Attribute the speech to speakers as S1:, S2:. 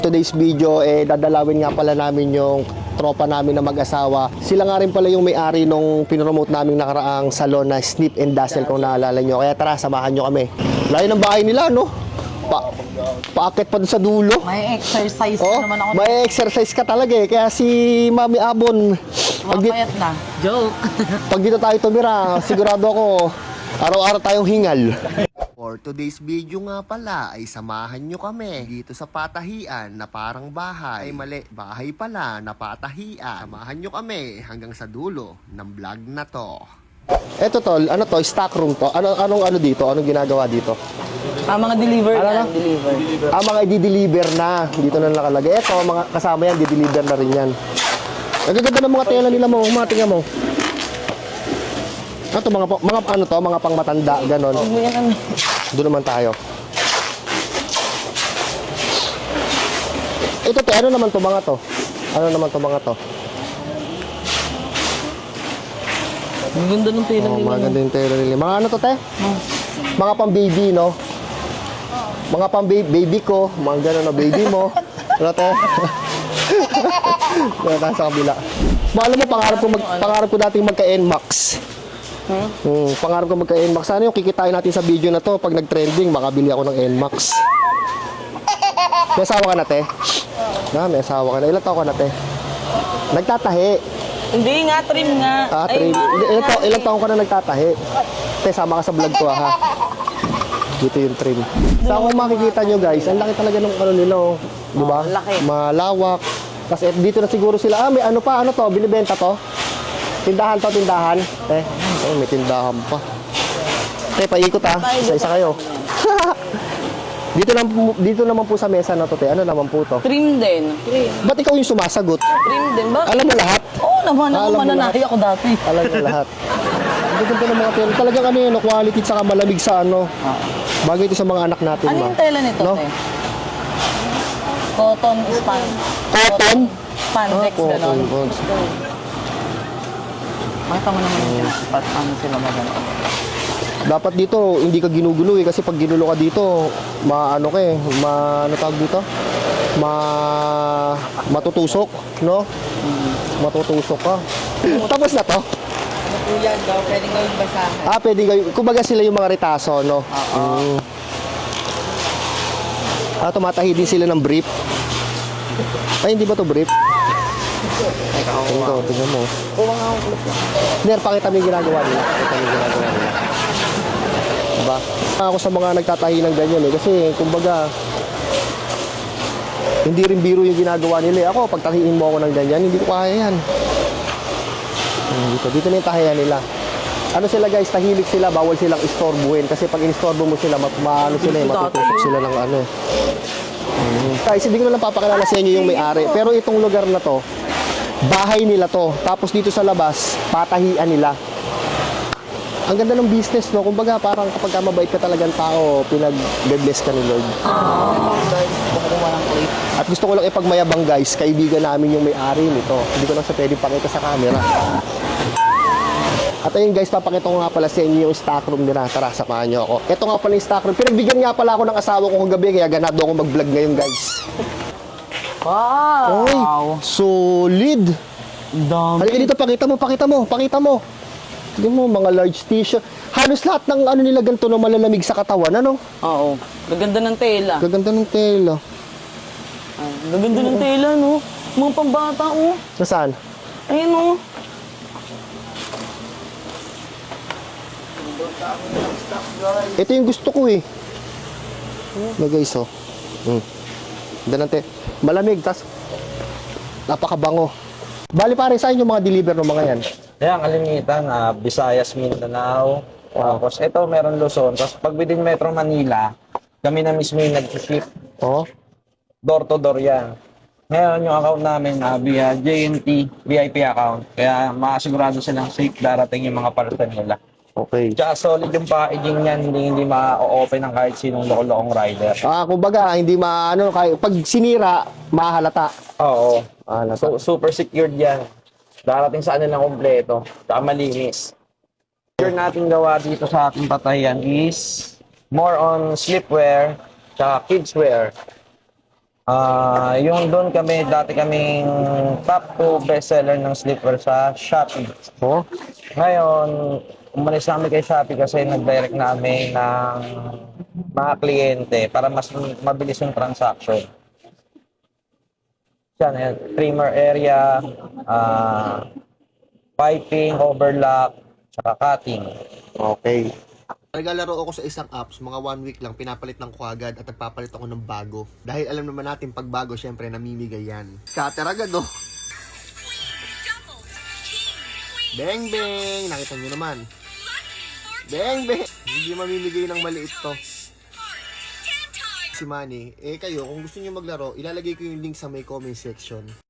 S1: Today's video, dadalawin nga pala namin yung tropa namin na mag-asawa. Sila nga rin pala yung may-ari nung pinromote namin nakaraang salon na Snip and Dazzle kung naalala nyo. Kaya tara, samahan nyo kami. Layo ng bahay nila, no? Paakit pa dun sa dulo.
S2: May exercise naman ako.
S1: May exercise ka talaga eh. Kaya si Mami Abon,
S2: Mapayat na. Joke.
S1: pag dito tayo tumira, sigurado ako, araw-araw tayong hingal. For today's video nga pala ay samahan nyo kami dito sa patahian na parang bahay. Ay mali, bahay pala na patahian. Samahan nyo kami hanggang sa dulo ng vlog na to. Eto tol, ano to? Stock room to? Anong dito? Anong ginagawa dito?
S2: Mga deliver
S1: Ano
S2: yan.
S1: na?
S2: Deliver.
S1: Mga i-deliver na. Dito na nakalagay. Eto, mga kasama yan, di-deliver na rin yan. Ang gaganda ng mga tela nila mo. Tingnan mo. Ito, mga pangmatanda, ganon. Doon naman tayo. Ito, ano naman to mga to? Ano naman to mga to?
S2: Ang ganda ng tela nila.
S1: Mga ganda yung tela nila. Mga ano to, te? Mga pang baby, no? Mga pang baby ko. Mga ganon na baby mo. Ano, te? Nasa kabila. Alam mo, pangarap ko nating magka-NMAX. Pangarap ko magka-NMAX. Sana yung kikitain natin sa video na to. Pag nag-trending, makabili ako ng NMAX. May asawa ka na, te? May asawa ka na. Ilan taon ka na, te? Nagtatahi.
S2: Hindi nga, trim nga.
S1: Trim. Ilan taon ka na nagtatahi? Te, sama ka sa vlog ko, ha? Dito yung trim. Sa kung makikita nyo, guys, ang laki talaga ng ano nila, oh. Diba?
S2: Laki.
S1: Malawak. Kasi dito na siguro sila, may ano to? Binibenta to? Tindahan to, tindahan. May tindahan pa. Paikot ha. Isa-isa kayo. Dito naman po sa mesa na to, ano naman po to?
S2: Trim din.
S1: Ba't ikaw yung sumasagot?
S2: Trim din ba?
S1: Alam mo lahat?
S2: Oo naman. Ako
S1: Alam mo
S2: mananahi ako dati.
S1: Alam mo lahat. Ang ganda ng mga tela. Talagang ano yun, quality tsaka malamig sa ano. Bagay ito sa mga anak natin.
S2: Ano yung tela nito,
S1: no?
S2: te? Cotton span.
S1: Cotton?
S2: Spandex, gano'n.
S1: Cotton.
S2: Makita mo naman yung ano sila magano.
S1: Dapat dito, hindi ka ginugulo eh. Kasi pag ginulo ka dito, ano tawag dito? Matutusok, no? Matutusok ka. Tapos na to?
S2: Yan daw, pwedeng gawing basahan.
S1: Pwede kayo. Kumbaga sila yung mga retaso, no? Tumatahi din sila ng brief. Ay, hindi ba to brief? Ito, tingnan mo. Ner, pakita mo yung ginagawa nila. Diba? Ako sa mga nagtatahi ng ganyan eh. Kasi, kumbaga, hindi rin biro yung ginagawa nila. Ako, pag tahiin mo ako ng ganyan, hindi ko kaya yan. Dito na yung tahiyan nila. Ano sila guys, tahilik sila, bawal silang istorbuhin. Kasi pag inistorbo mo sila, matutusok sila ng ano. Guys, hindi ko na lang papakilala sa inyo yung may-ari. Pero itong lugar na to, bahay nila to. Tapos dito sa labas, patahian nila. Ang ganda ng business, no? Kumbaga, parang kapag mabait ka talagang tao, pinag-bless ka ni Lord. At gusto ko lang ipagmayabang guys, kaibigan namin yung may-ari nito. Hindi ko lang sa pwedeng pakita sa camera. At ayun guys, papakita ko nga pala sa inyo yung stock room nila. Tara, samahan nyo ako. Ito nga pala yung stock room. Pinagbigyan nga pala ako ng asawa ko kagabi, kaya ganado ako mag-vlog ngayon guys.
S2: Wow!
S1: Oy, solid!
S2: Dami.
S1: Halika dito, pakita mo. Tignan mo, mga large t-shirt. Halos lahat ng ano nila ganito na malalamig sa katawan, ano?
S2: Oo. Gaganda ng tela.
S1: Gaganda ng tela.
S2: Gaganda ng tela, no? Mga pambata, oh.
S1: Nasaan?
S2: Ayun, oh.
S1: Ito yung gusto ko eh. Na guys, oh. Danante. Malamig, tas napakabango. Bali pare, saan yung mga deliver ng mga yan?
S3: Yan, kalimitan, Visayas, Mindanao. Tapos ito, meron Luzon. Tapos pag within Metro Manila, kami na mismo yung nag-ship.
S1: Oh.
S3: Door to door yan. Ngayon, yung account namin via JNT VIP account. Kaya makasigurado silang safe darating yung mga parcel nila.
S1: Okay.
S3: Tsaka solid yung packaging niyan, hindi ma-open ng kahit sinong loko-lokong rider.
S1: Kumbaga, hindi pag sinira, mahalata.
S3: Oo.
S1: Mahalata.
S3: Super secured yan. Darating sa kanilang kompleto. Tsaka malinis. Yung natin gawa dito sa ating patayan is more on sleepwear tsaka kidswear. Yung doon kami, dati kaming top 2 bestseller ng slipper sa Shopee.
S1: Oh,
S3: Ngayon, umalis na kami kay Shopee kasi nag-direct namin ng mga kliyente para mas mabilis yung transaction. Yan, yan. Trimmer area, piping, overlock, saka cutting.
S1: okay. Naglalaro ako sa isang apps, mga 1 week lang, pinapalitan ko agad at nagpapalit ako ng bago. Dahil alam naman natin, pag bago, syempre, namimigay yan. Scatter agad, oh. Bang, bang! Nakita nyo naman. Bang, bang! Hindi mamimigay ng maliit to. Si Manny, kayo, kung gusto nyo maglaro, ilalagay ko yung link sa may comment section.